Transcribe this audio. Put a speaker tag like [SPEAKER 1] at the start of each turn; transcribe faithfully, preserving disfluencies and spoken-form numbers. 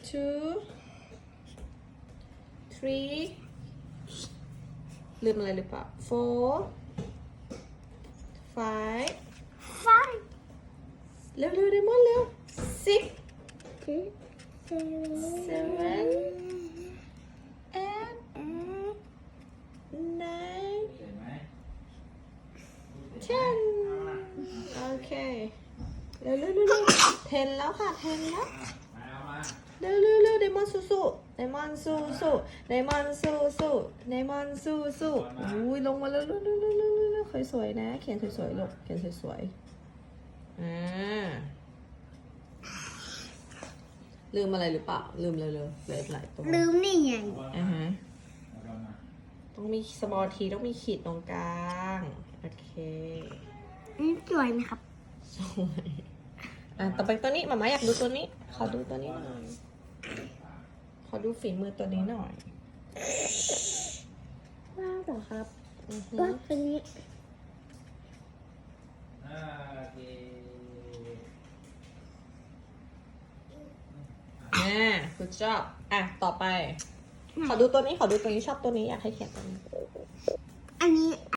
[SPEAKER 1] two three ลืมอะไรหรือเปล่า four five
[SPEAKER 2] five
[SPEAKER 1] เร็วเร็วเดมอนเร็ว six
[SPEAKER 2] six
[SPEAKER 1] seven eight nine
[SPEAKER 3] เห็นไหม
[SPEAKER 1] ten โอเคเร็วเร็วเร็วเร็ว ten แล้วค่ะ ten แล้ว
[SPEAKER 3] มาเอามา
[SPEAKER 1] เร็วเร็วเร็วเดมอนสู้สู้เดมอนสู้สู้เดมอนสู้สู้เดมอนสู้สู้อุ้ยลงมาเร็วเร็วเร็วเร็วเร็วเร็วสวยๆนะเขียนสวยๆลูกเขียนสวยๆอ่าลืมอะไรหรือเปล่าลืมเลยเลยเหลืออีกหลายตัว
[SPEAKER 2] ลืมนี่ไง
[SPEAKER 1] อ่าฮะ
[SPEAKER 3] เอามา
[SPEAKER 1] ต้องมีสมอลทีต้องมีขีดตรงกลางโอเค
[SPEAKER 2] อันนี้สวยไหมครับ
[SPEAKER 1] สวยอ่ะต่อไปตัวนี้หมาม่าอยากดูตัวนี้ขอดูตัวนี้หน่อยขอดูฝีมือตัวนี้หน่อยว้าวเหรอครับอือฮึ
[SPEAKER 2] ก็ตัวนี้
[SPEAKER 3] อ่าโอเค
[SPEAKER 1] อ่า good job อ่ะ ต่อไป ขอดูตัวนี้ ขอดูตัวนี้ชอบตัวนี้ อยากให้เขียนตัวนี้
[SPEAKER 2] อันนี้